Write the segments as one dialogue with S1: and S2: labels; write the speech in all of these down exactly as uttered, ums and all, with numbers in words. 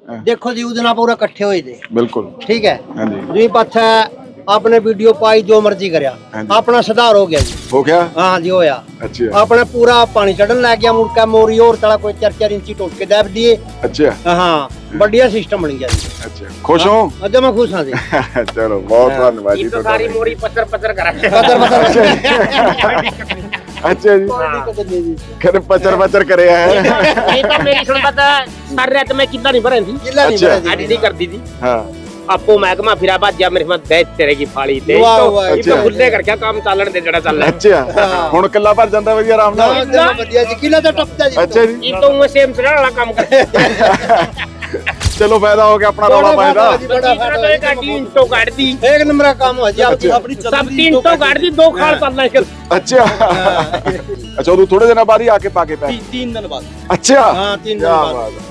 S1: देखो जी उस दिन पूरा इकट्ठे हुए थे
S2: बिल्कुल
S1: ठीक है
S2: हाँ जी
S1: जी पाछा आपने वीडियो पाई जो मर्जी करया अपना सुधार हो गया जी
S2: हो गया
S1: हाँ जी होया
S2: अच्छा
S1: अपने पूरा पानी चढ़न लग गया मुड़का मोरी और तला कोई चार चार इंची टोट के दब दिए
S2: अच्छा
S1: हाँ बढ़िया सिस्टम बन गया जी
S2: अच्छा खुश हो
S1: अजय मैं खुश हाँ जी
S2: चलो बहुत धन्यवाद जी
S3: तो सारी मोरी पत्थर पत्थर करा
S1: पत्थर पत्थर
S2: अच्छा जी कर पचर पचर करे है
S3: ये तो मेरी सुन पता सारी रात मैं कितना नहीं भरन थी
S1: जिला नहीं
S2: अच्छा।
S1: बना
S3: एडिटिंग कर दी थी
S2: हाँ
S3: आपको महकमा फिर बाद जब मेरे साथ बैठ तेरे की फाड़ी दे
S1: वाह,
S3: तो
S1: वाह,
S3: ये तो
S2: अच्छा।
S3: खुले कर क्या काम चालन दे जड़ा चल रहा
S2: अच्छा ਹੁਣ ਕਿੱਲਾ ਭਰ ਜਾਂਦਾ ਵਧੀਆ ਆਰਾਮ ਨਾਲ
S1: जी बढ़िया जी किला तो टपता जी
S2: अच्छा जी
S3: ये तो मैं सेम से वाला काम कर
S2: ਚਲੋ ਫਾਇਦਾ ਹੋ ਗਿਆ ਆਪਣਾ ਰੌਲਾ ਪਾਏ ਦਾ
S1: बड़ा
S3: तीसरा तो एक गाड़ी इंटो काट दी
S1: एक नंबर का काम हो जी आपकी अपनी
S3: सब तीन तो काट दी दो खाल चलना है
S2: ਅੱਛਾ ਅੱਛਾ ਉਹ ਥੋੜੇ ਦਿਨਾਂ ਬਾਅਦ ਹੀ ਆ ਕੇ ਪਾ ਕੇ ਪੈ
S1: तीन दिन बाद
S2: ਅੱਛਾ
S1: हाँ तीन दिन
S2: ਕਿਆ
S1: बाद
S2: ਬਾਤ ਹੈ।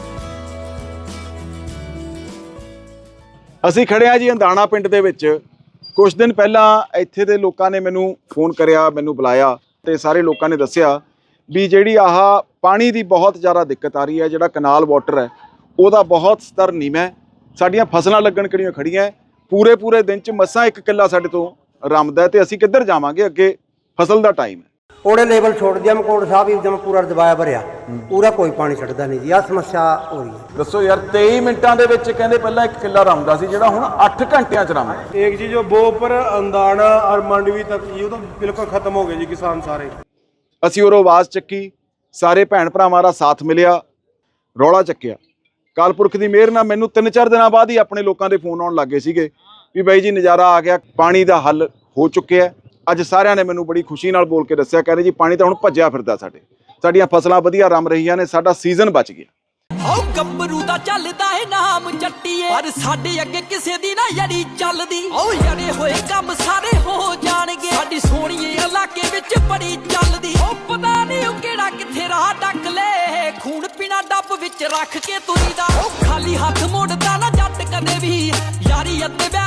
S2: ਅਸੀਂ ਖੜੇ ਆ ਜੀ ਅੰਦਾਣਾ ਪਿੰਡ ਦੇ ਵਿੱਚ ਕੁਝ ਦਿਨ ਪਹਿਲਾਂ ਇੱਥੇ ਦੇ ਲੋਕਾਂ ਨੇ ਮੈਨੂੰ ਫੋਨ ਕਰਿਆ ਮੈਨੂੰ ਬੁਲਾਇਆ ਤੇ ਸਾਰੇ ਲੋਕਾਂ ਨੇ ਦੱਸਿਆ ਵੀ ਜਿਹੜੀ ਆਹ ਪਾਣੀ ਦੀ ਬਹੁਤ ਜ਼ਿਆਦਾ ਦਿੱਕਤ ਆ ਰਹੀ ਹੈ ਜਿਹੜਾ ਕਨਾਲ ਵਾਟਰ ਹੈ ਉਹਦਾ ਬਹੁਤ ਸਤਰ ਨੀਵਾਂ ਹੈ ਸਾਡੀਆਂ ਫਸਲਾਂ ਲੱਗਣ ਕਿਹੜੀਆਂ ਖੜੀਆਂ ਹੈ ਪੂਰੇ ਪੂਰੇ ਦਿਨ ਚ ਮਸਾਂ ਇੱਕ ਕਿੱਲਾ ਸਾਡੇ ਤੋਂ ਰਮਦਾ ਹੈ ਤੇ ਅਸੀਂ ਕਿੱਧਰ ਜਾਵਾਂਗੇ ਅੱਗੇ ਫਸਲ ਦਾ ਟਾਈਮ ਹੈ
S1: ओड़े लेवल छोड़ दिया मकोड़ साहब एकदम पूरा दबाया भरिया पूरा कोई पानी छड़दा नहीं जी आ समस्या हो रही है
S2: ਦੱਸੋ ਯਾਰ ਤੇਈ ਮਿੰਟਾਂ ਦੇ ਵਿੱਚ ਕਹਿੰਦੇ ਪਹਿਲਾਂ ਇੱਕ ਕਿੱਲਾ ਰਮਦਾ ਸੀ ਜਿਹੜਾ ਹੁਣ ਅੱਠ ਘੰਟਿਆਂ ਚ ਰਮਦਾ
S4: एक चीज जो बो पर अंदाना और मंडवी तक ये तो बिल्कुल खत्म हो गए जी किसान सारे।
S2: ਅਸੀਂ ਉਹ ਆਵਾਜ਼ ਚੱਕੀ ਸਾਰੇ ਭੈਣ ਭਰਾਵਾਂ ਦਾ ਸਾਥ ਮਿਲਿਆ ਰੌਲਾ ਚੱਕਿਆ ਕਾਲਪੁਰਖ ਦੀ ਮਿਹਰ ਨਾਲ ਮੈਨੂੰ ਤਿੰਨ ਚਾਰ ਦਿਨਾਂ ਬਾਅਦ ਹੀ ਆਪਣੇ ਲੋਕਾਂ ਦੇ ਫੋਨ ਆਉਣ ਲੱਗੇ ਸੀਗੇ ਵੀ ਬਾਈ ਜੀ ਨਜ਼ਾਰਾ ਆ ਗਿਆ ਪਾਣੀ ਦਾ ਹੱਲ ਹੋ ਚੁੱਕਿਆ ਅੱਜ ਸਾਰਿਆਂ ਨੇ ਮੈਨੂੰ ਬੜੀ ਖੁਸ਼ੀ ਨਾਲ ਬੋਲ ਕੇ ਦੱਸਿਆ ਕਹਿੰਦੇ ਜੀ ਪਾਣੀ ਤਾਂ ਹੁਣ ਭੱਜਿਆ ਫਿਰਦਾ ਸਾਡੇ ਸਾਡੀਆਂ ਫਸਲਾਂ ਵਧੀਆ ਰਮ ਰਹੀਆਂ ਨੇ ਸਾਡਾ ਸੀਜ਼ਨ ਬਚ ਗਿਆ
S5: ਓ ਗੱਭਰੂ ਦਾ ਚੱਲਦਾ ਏ ਨਾਮ ਚੱਟੀਏ ਪਰ ਸਾਡੇ ਅੱਗੇ ਕਿਸੇ ਦੀ ਨਾ ਯੜੀ ਚੱਲਦੀ ਓ ਯੜੇ ਹੋਏ ਕੰਮ ਸਾਰੇ ਹੋ ਜਾਣਗੇ ਸਾਡੀ ਸੋਹਣੀਏ ਇਲਾਕੇ ਵਿੱਚ ਬੜੀ ਚੱਲਦੀ ਓ ਪਤਾ ਨਹੀਂ ਉਹ ਕਿਹੜਾ ਕਿੱਥੇ ਰਾਹ ਡੱਕ ਲੈ ਖੂਨ ਪੀਣਾ ਡੱਬ ਵਿੱਚ ਰੱਖ ਕੇ ਤੁਰੀਦਾ ਓ ਖਾਲੀ ਹੱਥ ਮੋੜਦਾ ਨਾ ਜੱਟ ਕਦੇ ਵੀ ਯਾਰੀ ਅੱਤੇ